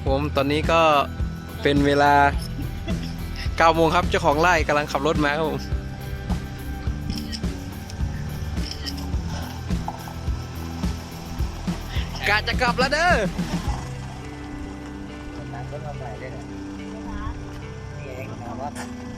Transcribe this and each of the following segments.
ครับผมตอนนี้ก็เป็นเวลา9 โมงครับเจ้าของไร่กำลังขับรถมาครับผมกะจะกลับแล้วเด้อน้ำก็มาใส่ได้เลยนี่เองนะว่า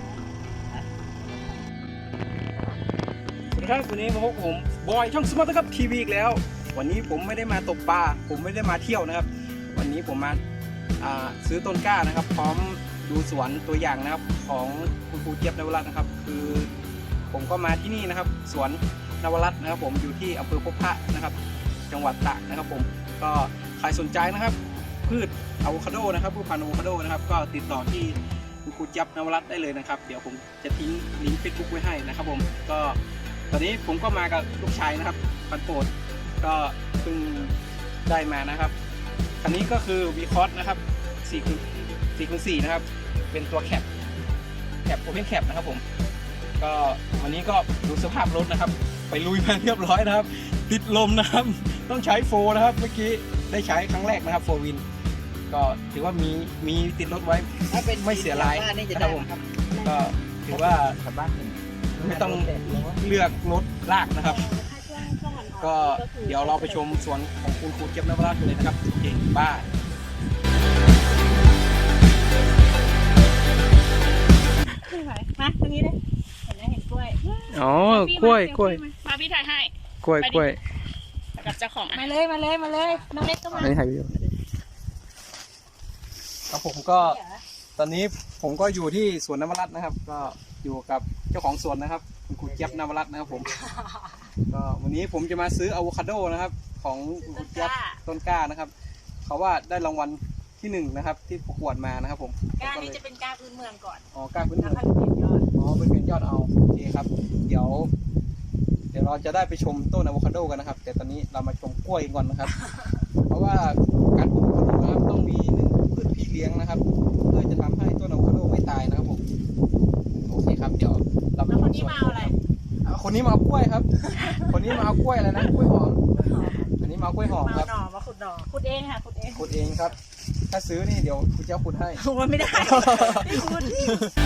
สวัสดีครับวันนี้มาพบผมบอยช่องสมาร์ทครับทีวีอีกแล้ววันนี้ผมไม่ได้มาตกปลาผมไม่ได้มาเที่ยวนะครับวันนี้ผมมาซื้อต้นกล้านะครับพร้อมดูสวนตัวอย่างนะครับของคุณครูเจี๊ยบนวรัตน์นะครับคือผมก็มาที่นี่นะครับสวนนวรัตน์นะครับผมอยู่ที่อำเภอพบพระนะครับจังหวัดตากนะครับผมก็ใครสนใจนะครับพืชอะโวคาโดนะครับพืชพันธุ์อะโวคาโดนะครับก็ติดต่อที่คุณครูเจี๊ยบนวรัตน์ได้เลยนะครับเดี๋ยวผมจะทิ้งลิงก์เฟซบุ๊กไว้ให้นะครับผมก็ตอนนี้ผมก็มากับลูกชายนะครับพันโปรดก็เพิ่งได้มานะครับคันนี้ก็คือวีคอสนะครับ4x4นะครับเป็นตัวแคปโอเพนแคปนะครับผมก็วันนี้ก็ดูสภาพรถนะครับไปลุยมาเรียบร้อยนะครับติดลมนะครับต้องใช้โฟนะครับเมื่อกี้ได้ใช้ครั้งแรกนะครับโฟวินก็ถือว่ามีติดรถไว้ไม่เสียรายนะครับผมก็ถือว่าไม่ต้องเลือกรถลากนะครับก็เดี๋ยวเราไปชมสวนของคุณครูเจี๊ยบนวรัตน์กันเลยนะครับเก่งบ้ามาตรงนี้เลยเห็นไหมเห็นกล้วยอ๋อกล้วยมาพี่ถ่ายให้กล้วยกับเจ้าของมาเลยน้องเล็กก็มาอันนี้ถ่ายวิดีโอครับผมก็ตอนนี้ผมก็อยู่ที่สวนนวรัตน์นะครับก็อยู่กับเจ้าของสวนนะครับคุณครูเจี๊ยบนวรัตน์นะครับผมก็วันนี้ผมจะมาซื้ออะโวคาโดนะครับของคุณครูเจี๊ยบต้นกล้านะครับเขาว่าได้รางวัลที่1นะครับที่ประกวดมานะครับผมกล้านี้จะเป็นกล้าพื้นเมืองก่อนอ๋อกล้าพื้นเมืองแล้วค่อยเป็นยอดเป็นยอดเอาโอเคครับเดี๋ยวเราจะได้ไปชมต้นอะโวคาโดกันนะครับแต่ตอนนี้เรามาชมกล้วยก่อนนะครับ เพราะว่าการปลูกอะโวคาโดนะครับต้องมี1พืชพี่เลี้ยงนะครับเพื่อจะทำให้ต้นอะโวคาโดไม่ตายนะครับผมโอเคครับเดี๋ยวเราแล้วคนนี้มาเอาอะไรคนนี้มาเอากล้วยครับ คนนี้มาเอากล้วยอะไรนะกล้วยหอมอันนี้มาเอากล้วยหอมครับมาขุดหน่อขุดเองค่ะขุดเองครับถ้าซื้อนี่เดี๋ยวคุณเจ้าขุดให้โอ้ไม่ได้ขุด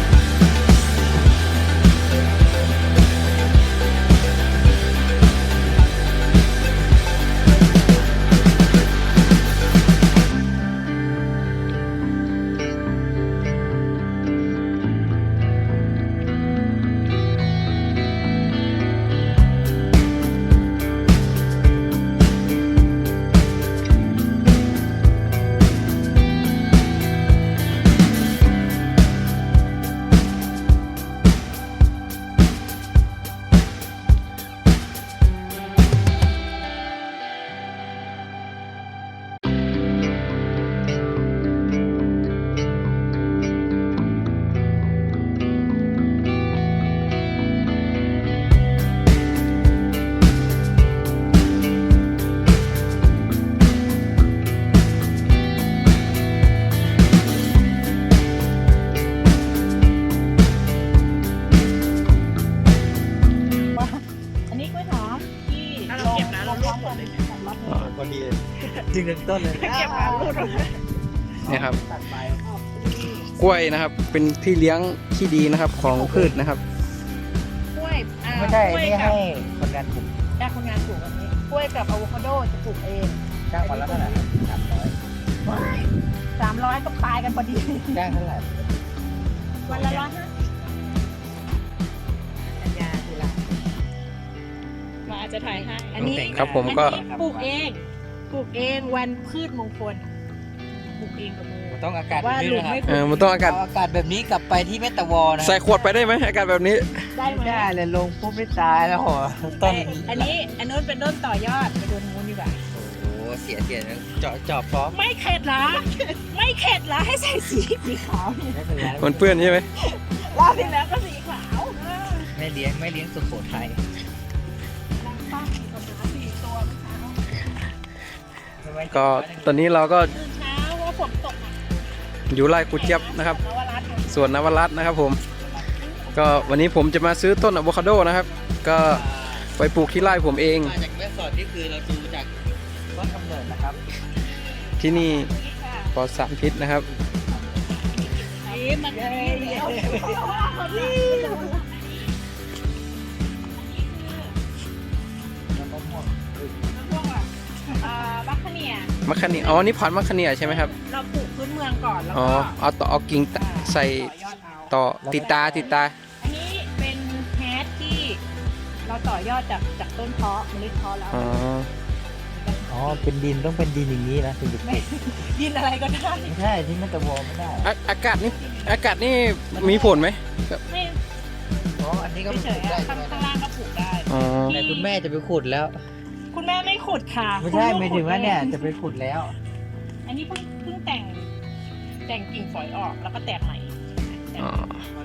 พอดีจริงเริ่มต้นเลยเก็บมาลูดนี่ครับกล้วยนะครับเป็นพี่เลี้ยงที่ดีนะครับของพืชนะครับกล้วยไม่ใช่นี่ให้คนงานปลูกคนงานปลูกอันนี้กล้วยกับอะโวคาโดจะปลูกเองจ้างวันละเท่าไหร่ 300ก็ตายกันพอดีจ้างเท่าไหร่วันละ150สัญญาทีละมาจะถ่ายให้อันนี้ครับผมก็ปลูกเองวันพืชมงคลปลูกเองกับมือต้องอากาศแบบนี้นะครับมันต้องอากาศแบบนี้กลับไปที่เมตาวอนะใส่ขวดไปได้ไหมอากาศแบบนี้ได้ไหมได้เลยลงปุ๊บไม่ตายแล้วหรอต้นอันนู้นเป็นต้นต่อยอดไปดูนู้นดีกว่าโอ้เสียจอบฟ้องไม่เข็ดเหรอให้ใส่สีขาวนี่มันเปื้อนใช่ไหมรอบที่แล้วก็สีขาวไม่เลี้ยงสุโขทัยก็ตอนนี้เราก็อยู่ไร่ครูเจี๊ยบนะครับส่วนนวรัตน์นะครับผมก็วันนี้ผมจะมาซื้อต้นอะโวคาโดนะครับก็ไปปลูกที่ไร่ผมเองมาจากแม่สอดนี่คือเราดูจากต้นกำเนิดนะครับที่นี่ปลอดสารพิษนะครับนี่มันแล้วบัคคเนียมะขามอ๋อนี่พันธุ์มะขามใช่ไหมครับเราปลูกพื้นเมืองก่อนแล้วอ๋อก็เอากิ่งใส่ต่อยอดเอาต่อติดตาอันนี้เป็นแฮชที่เราต่อยอดจากต้นเพาะเมล็ดเพาะแล้วอ๋ออ๋อเป็นดินต้องเป็นดินอย่างนี้นะถึงจะปลูกยินอะไรก็ได้ไม่ใช่ที่มันจะวอไม่ได้อากาศนี่มีผลไหมไม่อ๋ออันนี้ก็ไม่ปเฉลูยกได้ๆใช่ข้างไหมข้างล่างก็ปลูกได้อ๋อแต่คุณแม่จะไปขุดแล้วคุณแม่ไม่ขุดค่ะไม่ใช่คุณลูกไม่ถึงว่าเนี่ยจะไปขุดแล้วอันนี้เพิ่งแต่งกิ่งฝอยออกแล้วก็แตกใหม่แต่งอ๋อ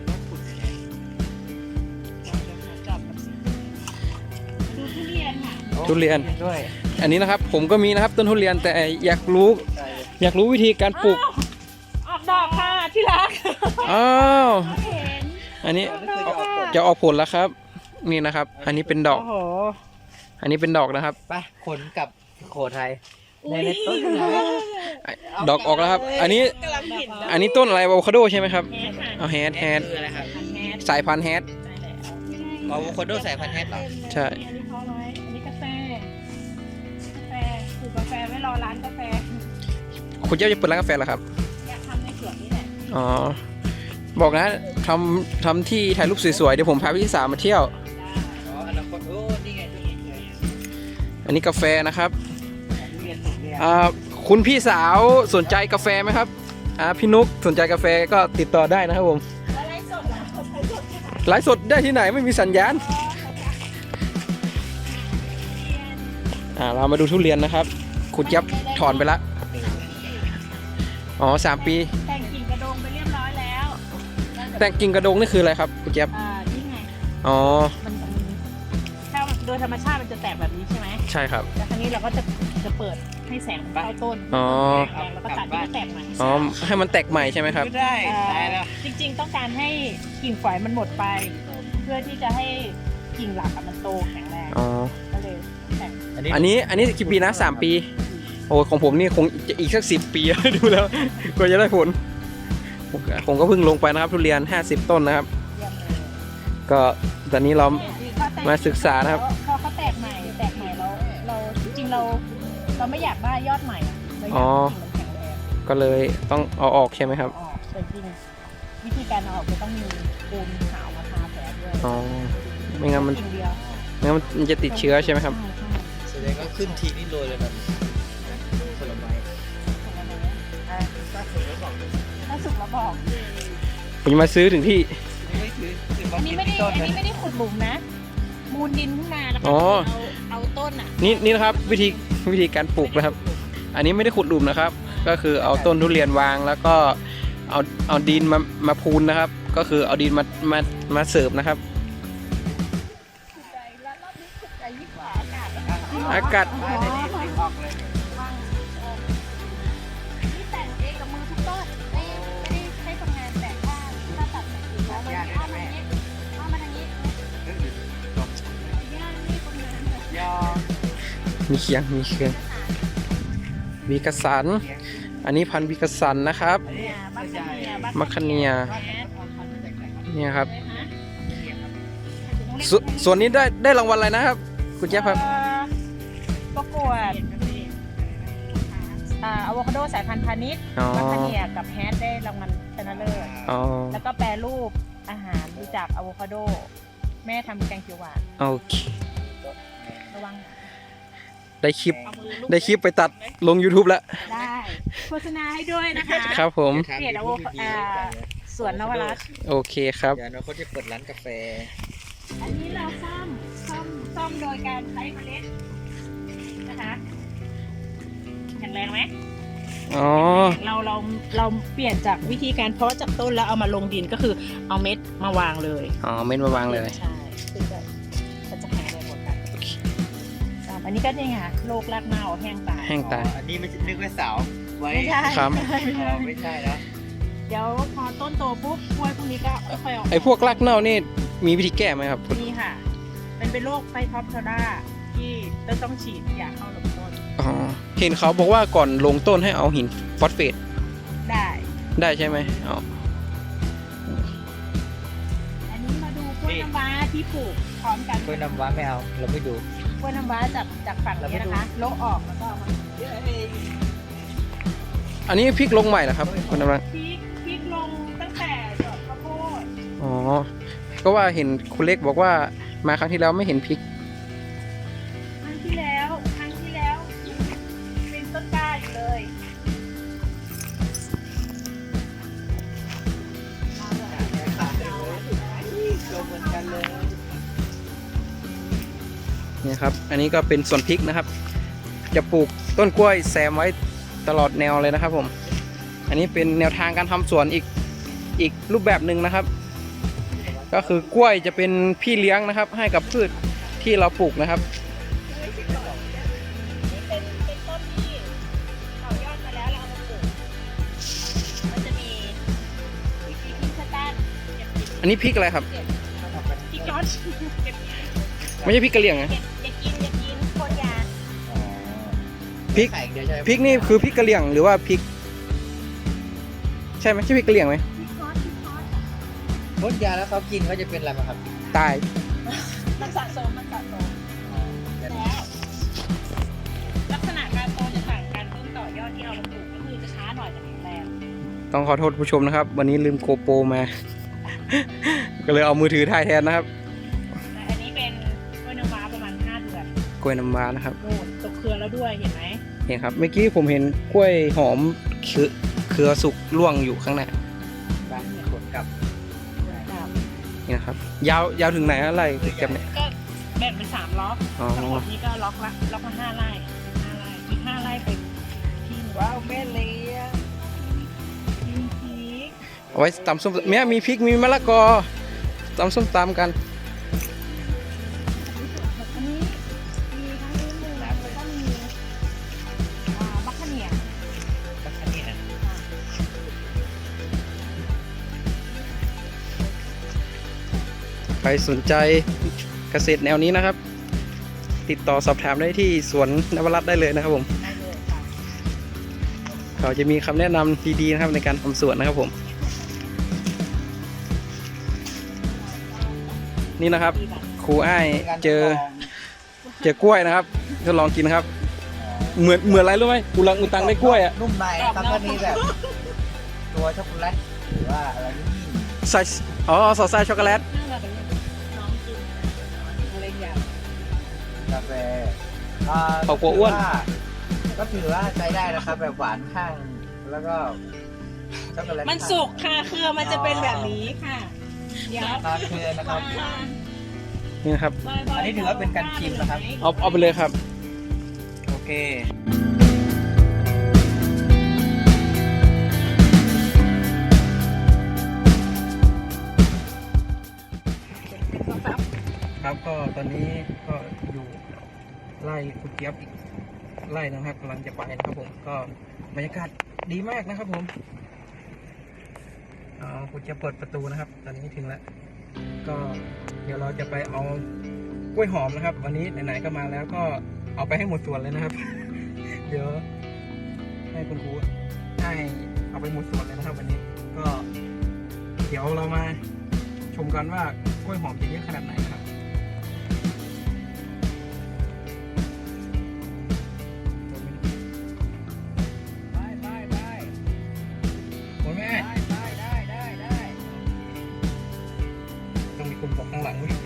จับกับสีดูทุเรียนค่ะทุเรียนด้วยอันนี้นะครับผมก็มีนะครับต้นทุเรียนแต่อยากรู้วิธีการปลูกอ้าวออกดอกค่ะที่รักอ้าวเห็นอันนี้ออกดอกค่ะจะออกผลแล้วครับ นี่นะครับ อันนี้เป็นดอกโอ้โหอันนี้เป็นดอกนะครับไปขนกลับโขทัยอุ๊ยในต้นไหนดอกออกแล้วครับ อันนี้กำลังเห็นอันนี้ต้นอะไรอะโวคาโดใช่ไหมครับแฮชค่ะเอาแฮดคืออะไรครับแฮชสายพันธุ์แฮดได้แล้วอะโวคาโดสายพันธุ์แฮทเหรอใช่อันนี้เขาน้อยอันนี้กาแฟปลูกกาแฟไว้รอร้านกาแฟคุณเจ้าจะเปิดร้านกาแฟเหรอครับอยากทำในสวนนี่แหละอ๋อ บอกนะทำที่ถ่ายรูปสวยๆ เดี๋ยวผมพาพี่สาวมาเที่ยวอ๋ออนาคตโอ้นี่ไงทุเรียนเลยอันนี้กาแฟนะครับทุเรียนสุกเนี่ยคุณพี่สาวสนใจกาแฟไหมครับ พี่นุ๊กสนใจกาแฟก็ติดต่อได้นะครับผมอะไรสดเหรอไลฟ์สดไลฟ์สดได้ที่ไหนไม่มีสัญญาณ เรามาดูทุเรียนนะครับ คุณเจี๊ยบถอนไปละ อ๋อ3 ปีแต่งกิ่งกระโดงไปเรียบร้อยแล้วแต่งกิ่งกระดงนี่คืออะไรครับคุณเจี๊ยบนี่ไงอ๋อมันถ้าโดยธรรมชาติมันจะแตกแบบนี้ใช่ไหมใช่ครับแล้วครั้นี้เราก็จะเปิดให้แสงมันเข้าต้นอ๋อแล้วก็ตัดให้มันแตกใหม่อ๋อ ให้มันแตกใหม่ใช่ไหมครับไม่ได้ตายแล้วจริงๆต้องการให้กิ่งฝอยมันหมดไป เพื่อที่จะให้กิ่งหลักอะมันโตแข็งแรงอ๋อก็เลยแต่งอันนี้กี่ปีนะ3 ปี โอ้ของผมนี่คงจะอีกสัก10 ปี ดูแล้วกว่าจะได้ผล ผมก็เพิ่งลงไปนะครับทุเรียน50 ต้นนะครับเยี่ยมเลยก็ตอนนี้เรา มาศึกษานะครับพอเขาแตกใหม่เราจริงๆเราไม่อยากได้ยอดใหม่อะเราอยากอ๋อให้กิ่งมันแข็งแรงก็เลยต้องเอาออกใช่ไหมครับออกแต่จริงวิธีการเอาออกจะต้องมีปูนขาวมาทาแผลด้วยอ๋อ ไม่งั้นมันกิ่งเดียวไม่งั้นมันจะติดเชื้อใช่ไหมครับแสดงก็ขึ้นทีนี่โรยเลยแบบผลไม้ถ้าสุกแล้วบอกผมจะมาซื้อถึงที่ไม่ถือว่าอันนี้ไม่ได้ต้นอันนะนี้ไม่ได้ขุดหลุมนะ มูลดินขึ้นมาแล้วก็อ๋อเอาต้นอ่ะนี่นะครับวิธีการปลูกนะครับ อันนี้ไม่ได้ขุดหลุมนะครับ ก็คือเอาต้นทุเรียนวางแล้วก็เอาดินมาพูนนะครับ ก็คือเอาดินมาเสิร์ฟนะครับใจแล้วรอบนี้ขุดใจยิ่งกว่าอากาศแล้วอากาศออกเลยนี่แต่งเองกับมือทุกต้นไม่ได้ใช้ทำงานแต่งถ้าตัดแต่งกิ่งแล้วมันเอามาทางนี้เอามาทางนี้ย่างนี่ประมาณแบบยอมีเคียงวีกสัน อันนี้พันธุ์วีกสันนะครับเนี่ยบัคคาเนียมัคคเนีย เนี่ยครับเส่วนนี้ได้รางวัลอะไรนะครับ คุณเจี๊ยบครับประกวดอะโวคาโดสายพันธุ์พาณิชย์อ๋อบัคคาเนียกับแฮชได้รางวัลชนะเลิศอ๋อแล้วก็แปรรูปอาหารดูจากอะโวคาโด แม่ทำแกงเขียวหวานโอเคระวังได้คลิปเอามือลูบได้คลิปไปตัดลง YouTube แล้วได้โฆษณาให้ด้วยนะคะครับผมเพจสวนนวรัตน์โอเคครับเดี๋ยวนะเขาจะเปิดร้านกาแฟอันนี้เราซ่อมโดยการใช้เมล็ดนะคะแข็งแรงไหมอ๋อเราเปลี่ยนจากวิธีการเพาะจากต้นแล้วเอามาลงดินก็คือเอาเม็ดมาวางเลยอ๋อ เม็ดมาวางเลยใช่คือมันจะแข็งแรงกว่ากันอันนี้ก็เนี่ยไงโรครากเน่าแห้งตายแห้งตายอันนี้ไม่ใช่นึกว่าเสาไว้ไม่ใช่ครับไม่ใช่อ๋อไม่ใช่แล้วเดี๋ยวพอต้นโตปุ๊บกล้วยพวกนี้ก็ค่อยๆออกไอ้พวกรากเน่านี่มีวิธีแก้ไหมครับนี่ค่ะ เป็นโรคไฟท็อปโซดาที่ต้องฉีดยาเข้าลำต้นอ๋อ เห็นเขาบอกว่าก่อนลงต้นให้เอาหินฟอสเฟตได้ใช่ไหมอ๋ออันนี้มาดูกล้วยน้ำว้าที่ปลูกพร้อมกันกล้วยน้ำว้าไม่เอาเราไม่ดูกล้วยน้ำว้าจากฝั่งนี้นะคะโละออกแล้วก็เอามาอันนี้พริกลงใหม่เหรอครับคุณน้ำรังพริกลงตั้งแต่ดอกข้าวโพดอ๋อก็ว่าเห็นคุณเล็กบอกว่ามาครั้งที่แล้วไม่เห็นพริกครั้งที่แล้วเป็นต้นกล้าอยู่เลยเอาเลยลงเหมือนกันเลยเนี่ยครับ อันนี้ก็เป็นสวนพริกนะครับ จะปลูกต้นกล้วยแซมไว้ตลอดแนวเลยนะครับผม อันนี้เป็นแนวทางการทำสวนอีกรูปแบบหนึ่งนะครับ ก็คือกล้วยจะเป็นพี่เลี้ยงนะครับ ให้กับพืชที่เราปลูกนะครับนี่เป็นต้นที่ต่อยอดมาแล้วเราเอามาปลูกมันจะมีพริกสแตนเก็บพริกอันนี้พริกอะไรครับพริกยอดเก็บไม่ใช่พริกกะเหรี่ยงนะอย่ากินคนยาอ๋อพริกไข่เดียวใช่ไหมพริกนี่คือพริกกะเหรี่ยงหรือว่าพริก ใช่ไหมใช่พริกกะเหรี่ยงไหมพริกซอสพ่นยาแล้วเขากินเขาจะเป็นอะไรบ้างครับตายมันสะสมแล้วลักษณะการโตจะต่างกันต้นต่อยอดที่เอามาปลูกก็คือจะช้าหน่อยแต่แข็งแรงต้องขอโทษผู้ชมนะครับ วันนี้ลืมโกโปรมา ก็เลยเอามือถือถ่ายแทนนะครับแต่อันนี้เป็นกล้วยน้ำว้าประมาณ5 เดือนกล้วยน้ำว้านะครับโน่นตกเครือแล้วด้วยเห็นไหมเห็นครับเมื่อกี้ผมเห็นกล้วยหอมเครือสุกร่วงอยู่ข้างหน้าบ้านขนกลับนี่นะครับ ยาวถึงไหนอะไรเก็บเนี่ยก็แบ่งเป็น3 ล็อกอ๋อทั้งหมดนี้ก็ล็อกละ5 ไร่อีก5 ไร่ไปที่หนึ่งว้าวแม่เลี้ยงกินพริกเอาไว้ตำส้มเนี่ยมีพริกมีมะละกอตำส้มตำกันอันนี้มีทั้งนี้มือแล้วก็มีบัคคาเนียบัคคาเนียใครสนใจเกษตรแนวนี้นะครับ ติดต่อสอบถามได้ที่สวนนวรัตน์ได้เลยนะครับผมได้เลยค่ะเขาจะมีคำแนะนำดีๆนะครับในการทำสวนนะครับผม นี่นะครับครูอ้ายเจอกล้วยนะครับทดลองกินนะครับ เหมือนอะไรรู้ไหมอุลังอุตังได้กล้วยอ่ะนุ่มในครับก็มีแบบ ตัวช็อกโกแลตหรือว่าอะไรนี่ใส่สอดไส้ช็อกโกแลตน่าจะเป็นน้องกินอะไรอย่างกาแฟเขากลัวอ้วนก็ถือว่าใช้ได้นะครับ แบบหวานข้าง แล้วก็ช็อกโกแลตมันสุกค่ะเครือมันจะเป็นแบบนี้ค่ะ เดี๋ยวตอนคืนนะครับนี่นะครับอันนี้ถือว่าเป็นการชิมนะครับเอาไปเลยครับโอเคครับก็ตอนนี้ก็อยู่ไล่คุณเจี๊ยบอีกไล่นะครับกำลังจะไปนะครับผมก็บรรยากาศดีมากนะครับผมคุณเจี๊ยบเปิดประตูนะครับ ตอนนี้ถึงแล้วก็เดี๋ยวเราจะไปเอากล้วยหอมนะครับ วันนี้ไหนๆก็มาแล้วก็เอาไปให้หมดสวนเลยนะครับ เดี๋ยวให้คุณครูให้เอาไปหมดสวนเลยนะครับ วันนี้ก็เดี๋ยวเรามาชมกันว่ากล้วยหอมจะเยอะขนาดไหนครับ โอ้ยแม่ต้องมีคนบอกข้างหลังด้วย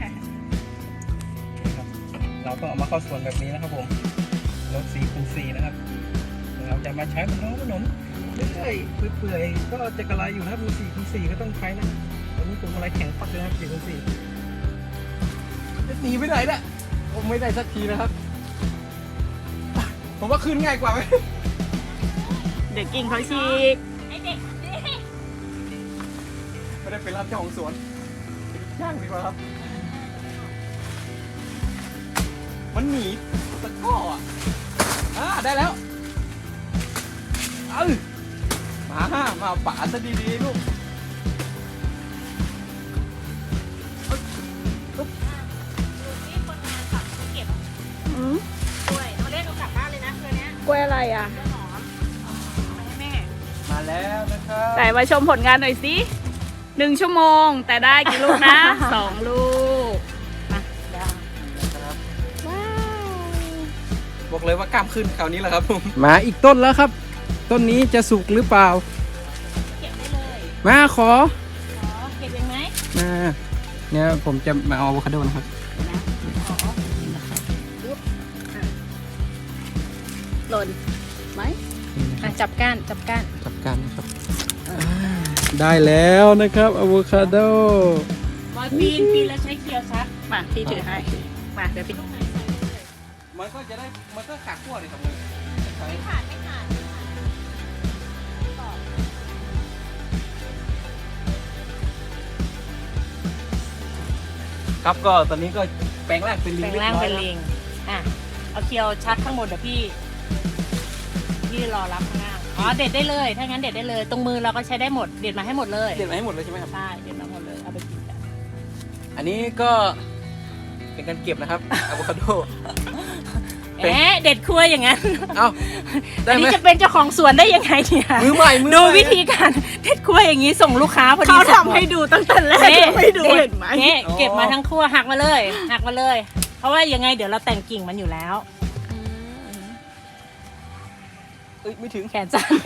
ครับเราต้องเอามาเข้าสวนแบบนี้นะครับผมรถ4x4นะครับเราจะมาใช้บนท้องถนนเรื่อยๆเปื่อยๆก็จะกระไรอยู่นะครับมี4x4ก็ต้องใช้นะตอนนี้ผมอะไรแข็งปักเลยนะครับ4x4จะหนีไปไหนล่ะผมไม่ได้สักทีนะครับ ผมว่าขึ้นง่ายกว่าไหมเด็กกินเขาฉีกไอเด็กไม่ได้เป็นรับเจ้าของสวนย่างดีกว่าครับ มันหนีตะก้อได้แล้วมาป่าซะดีๆลูกดูที่คนงานขับเก็บกล้วยเอาเล่นเอากลับบ้านเลยนะเครือนี้กล้วยอะไรอ่ะกล้วยหอมเอาให้แม่มาแแล้วนะครับไหนมาชมผลงานหน่อยสิ1 ชั่วโมงแต่ได้กี่ลูกนะ 2 ลูกมาเดี๋ยวนะครับว้าวบอกเลยว่ากล้ามขึ้นคราวนี้แหละครับผมมาอีกต้นแล้วครับ ต้นนี้จะสุกหรือเปล่าเก็บได้เลยมาขอขอเก็บเองไหมมาเนี่ยผมจะมาเอาอะโวคาโดนะครับนะขอปุ๊บอ่ะหล่นไหมอ่ะจับก้านจับก้านจับกันนะครับได้แล้วนะครับอะโวคาโดบอยปีนแล้วใช้เคียวซักมาพี่ถือให้มาเดี๋ยวพี่มันก็จะได้มันก็ขาดขั้วเลยครับไม่ขาดไม่ขาดครับก็ตอนนี้ก็แปลงร่างเป็นลิงแปลงร่างเป็นลิงอ่ะเอาเคียวชัดข้างบนเดี๋ยวพี่รอรับข้างล่างอ๋อเด็ดได้เลยถ้างั้นเด็ดได้เลย ตรงมือเราก็ใช้ได้หมดเด็ดมาให้หมดเลยเด็ดมาให้หมดเลยใช่ไหมครับใช่เด็ดมาหมดเลยเอาไปกินกันอันนี้ก็เป็นการเก็บนะครับอะโวคาโดเอ๊ะเด็ดคั่วอย่างนั้นเอ้าได้อันไหมนี้จะเป็นเจ้าของสวนได้ยังไงเนี่ยมือใหม่มือใหม่ดูวิธีการเด็ดคั่วอย่างนี้ส่งลูกค้าพอดีเขาทำให้ดูตั้งแต่แรกนี่ไม่ดูเห็นไหมนี่เก็บมาทั้งคั่วหักมาเลยหักมาเลย เพราะว่ายังไงเดี๋ยวเราแต่งกิ่งมันอยู่แล้วเอ้ยไม่ถึงแขนสั้น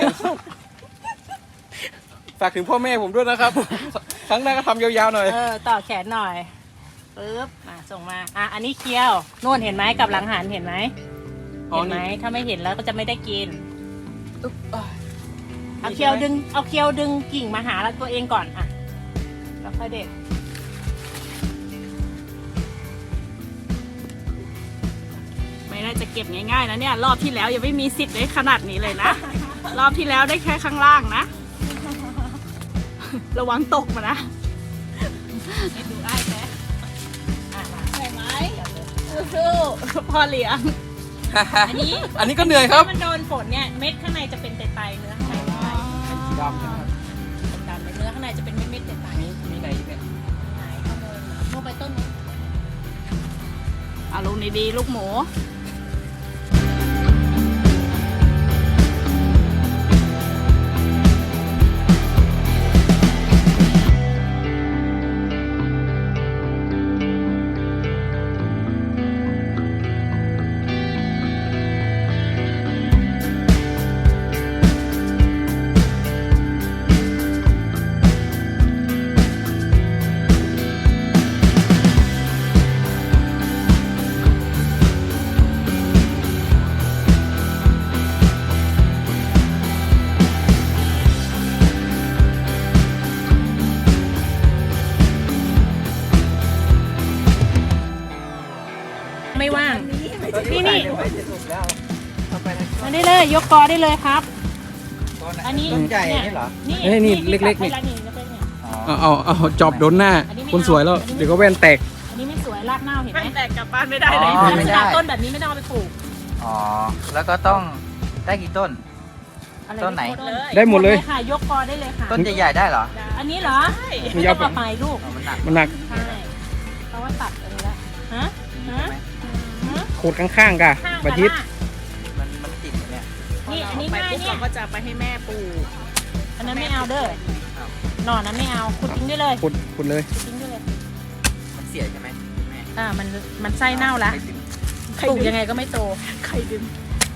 ฝากถึงพ่อแม่ผมด้วยนะครับ ครั้งหน้าก็ทำยาวๆหน่อยต่อแขนหน่อยปึ๊บมาส่งมาอันนี้เคี้ยวโน่นเห็นไหมกับหลังหันเห็นไหมอ๋อเห็นไหมนี่ถ้าไม่เห็นแล้วก็จะไม่ได้กินอึ๊บอ่ะเอาเคี้ยวดึงกิ่งมาหาตัวเองก่อนอ่ะแล้วค่อยเด็ดไม่น่าจะเก็บง่ายๆนะเนี่ย รอบที่แล้วยังไม่มีสิทธิ์ได้ขนาดนี้เลยนะ รอบที่แล้วได้แค่ข้างล่างนะ ระวังตกมานะให้ดูอ้ายแท้มาใช่ไหมสู้ๆพ่อเลี้ยงอันนี้อันนี้ก็เหนื่อยครับถ้ามันโดนฝนเนี่ยเม็ดข้างในจะเป็นไตๆเนื้อข้างในไม่ไตสีดำใช่ไหมครับดำๆเนื้อข้างในจะเป็นเม็ดๆไตๆมีไหนเนี่ยไหนขโมยมาโมไปต้นนู้นเอาลูกนี้ดีลูกหมูไม่ว่าง นี่ไม่จะสุกแล้วเข้าไปนะมาได้เลยยกกอได้เลยครับต้นอันนี้ต้นใหญ่เนี่ยนี่เหรอนี่เล็กๆนี่นี่อ๋อเอาจอบโดนหน้าอันนี้ไม่คนสวยแล้วเอาอันนี้เดี๋ยวก็แว่นแตกอันนี้ไม่สวยรากเน่าเห็นไหไม่มแตกกลับบ้านไม่ได้เลยอ๋อลัไม่กษได้ณะต้นแบบนี้ไม่ต้องเอาไปปลูกอ๋อ แล้วก็ต้องได้กี่ต้นอะไรต้นไหนได้หมดเลยค่ะ ยกกอได้เลยค่ะต้นใหญ่ๆได้เหรออันนี้เหรอไม่ไม่ยาต้วองเอาไปลูกอ๋อมันหนักมันหนักใช่เพราะว่าตัดอันนี้ละฮะใช่ไหมโคตรข้างๆกะข้างบัทิตมันติดอยู่เนี่ยนี่อันนี้ไปง่ายปุ๊บเนี่ยเราก็จะไปให้แม่ปลูกอันนั้นไม่เอาเด้อหน่อนั้นไม่เอาขุดทิ้งได้เลยขุดเลยขุดทิ้งได้เลยมันเสียใช่ไหมแม่มันไส้เน่าละไม่ถึงปลูกยังไงก็ไม่โตใครดึง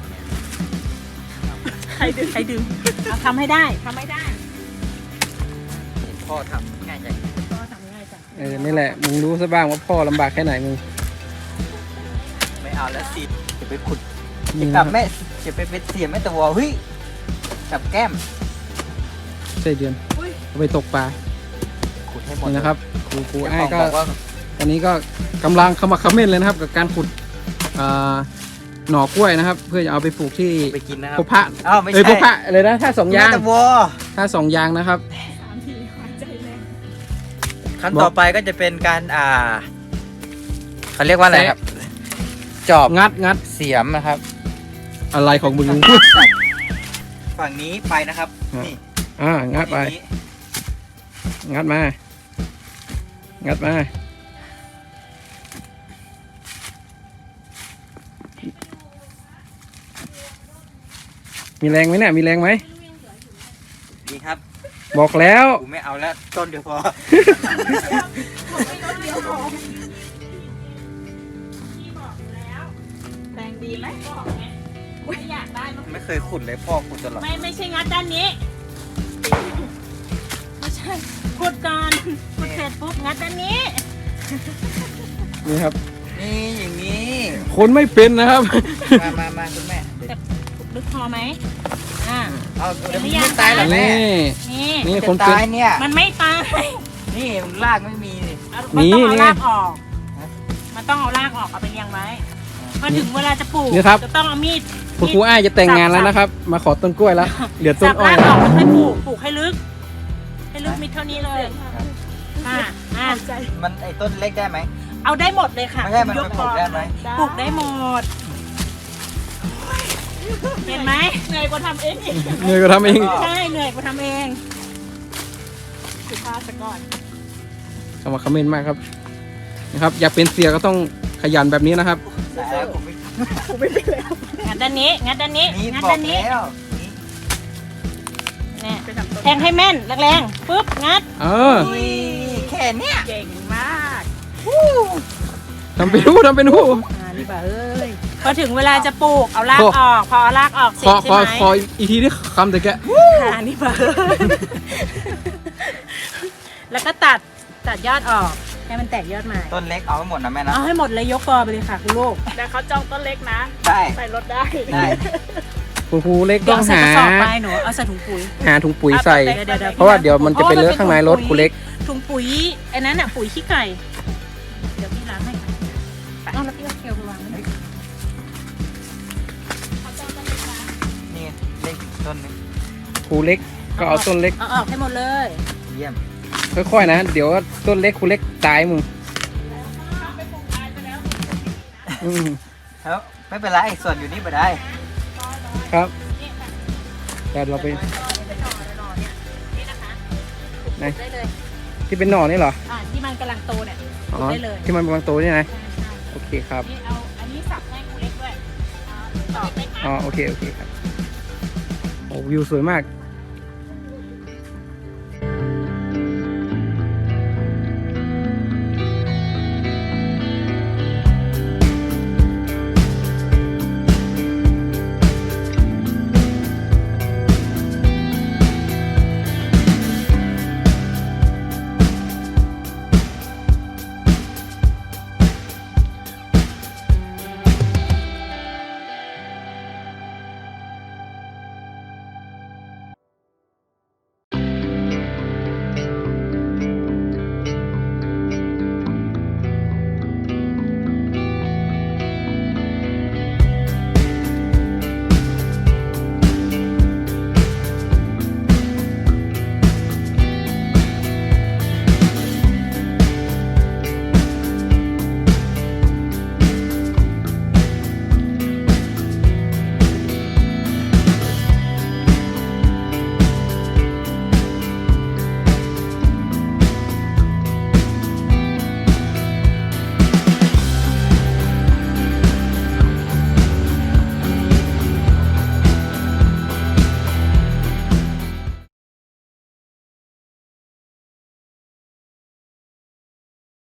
ใครดึงเอาทำให้ได้ทำให้ได้เห็นพ่อทำง่ายจังก็ทำง่ายจ้ะนี่แหละมึงรู้ซะบ้างว่าพ่อลำบากแค่ไหนมึงไม่เอาแล้วสิจะไปขุดนี่กันะบแม่จะไปเป็นเสียแม่ตะวอเฮ้ยกับแก้มใช่เดือนเอาไปตกปลาขุดให้หมดนี่นะครับครูเจ้าไอ้ายของก็บอกว่าตอนนี้ก็กำลังเข้ามาคอมเมนต์เลยนะครับ กับการขุดหน่อกล้วยนะครับ เพื่อจะเอาไปปลูกที่ไปกินนะครัพบพระอ้าวไม่พบใช่พระเลยนะถ้าสองยางแม่ตะวอถ้าสองยางนะครับ 3 ทีหายใจแรงขั้นต่อไปก็จะเป็นการเขาเรียกว่าอะไรครับ จอบงัดเสียมนะครับอะไรของมึงฝั่งนี้ไปนะครับอ่ะนี่งัดไปฝั่งนี้งัดมา งัดมา มีแรงไหมเนี่ย มีแรงไหมบอกแล้วกูไม่เอาแล้วต้นเดียวพอพี่บอกแล้วแรงดีไหมบอกไงไม่อยากได้มันไม่เคยขุดเลยพ่อขุดตลอดไม่ใช่งัดด้านนี้ไม่ใช่ขุดก่อนขุดเสร็จปุ๊บงัดด้านนี้นี่ครับนี่อย่างนี้คนไม่เป็นนะครับมาคุณแม่เดี๋ยวลึกพอไหมเอาเดี๋เดี๋ยยว วไม่มันอยากไม่ตายหรอกแม่นี่นี่นี่จะคนเป็นตายเนี่ยมันไม่ตายนี่รากไม่มีนี่มันต้องเอานี่รากออก มันต้องเอารากออกเอาไปเลี้ยงไว้พอถึงเวลาจะปลูกนี่ครับจะต้องเอามีดคุณครูอ้ายจะแต่งงานแล้วนะครับ มาขอต้นกล้วยแล้ว เหลือต้สันบอ้อยรากอแล้อวกแล้วค่อยปลูกปลูกให้ลึก ให้ลึกมิดเท่านี้เลยอ่ามันไอ้ต้นเล็กได้ไหมเอาได้หมดเลยค่ะไม่ใช่มันยกปลูกได้ไหมปลูกได้หมด เห็นไหมเหนื่อยกว่าทำเองอีกเหนื่อยก็ทำเองใช่เหนื่อยกว่าทำเองสุภาพซะก่อนคำว่าคอมเมนต์มากครับนะครับ อยากเป็นเสียก็ต้องขยันแบบนี้นะครับแต่ผมไม่งัดด้านนี้ งัดด้านนี้นี่งัดบอด้าก นนี้แล้วนี่เนี่ยไปทำต้นแทงให้แม่นแรงๆปุ๊บงัดเออนี่แค่เนี้ยเก่งมากทำเป็นหูทำเป็นหูนี่บ่าเอ้ยพอถึงเวลาจะปลูกเอารากออก พอเอารากออกเสร็ขจอใช่ขอไหมขออีกทีนี่คำแต่แกนี่บ่าเอ้ยแล้วก็ตัดยอดออกให้มันแตกยอดใหม่ต้นเล็กเอาให้หมดนะแม่นะเอาให้หมดเลยยกกอไปเลยค่ะคุณลูกแต่เขาจองต้นเล็กนะได้ใส่รถได้ได้คุณครูเล็กเดี๋ต้ยวองเอาใส่หากระสอบไปหนูเอาใส่ถุงปุ๋ยหาถุงปุ๋ยใส่ดี๋ยวเพราะว่าเดี๋ยวมันจะไปเลอะข้างในรถครูเล็กถุงปุ๋ยไอ้นั้นอ่ะปุ๋ยขี้ไก่ เดี๋ยวพี่ล้างให้ค่ะเอาแล้วพี่เอาเกลียวไปวางไว้นี่เล็กอีกต้นนึงครูเล็กก็เอาต้นเล็กเอาออกให้หมดเลยเยี่ยมค่อยๆนะ เดี๋ยวต้นเล็กครูเล็กตายมึงอืมแล้วไม่เป็นไรส่วนอยู่นี่ไปได้ครับ แต่เราไปนี่นะคะไหนได้เลยที่เป็นหน่อนี่เหรอที่มันกำลังโตเนี่ยอ๋อได้เลยที่มันบางตัวนี่นะใช่ใช่โอเคครับนี่เอาอันนี้สับให้คุณเล็กด้วยต่อไปอ๋อโอเคโอเคครับโอ้วิวสวยมาก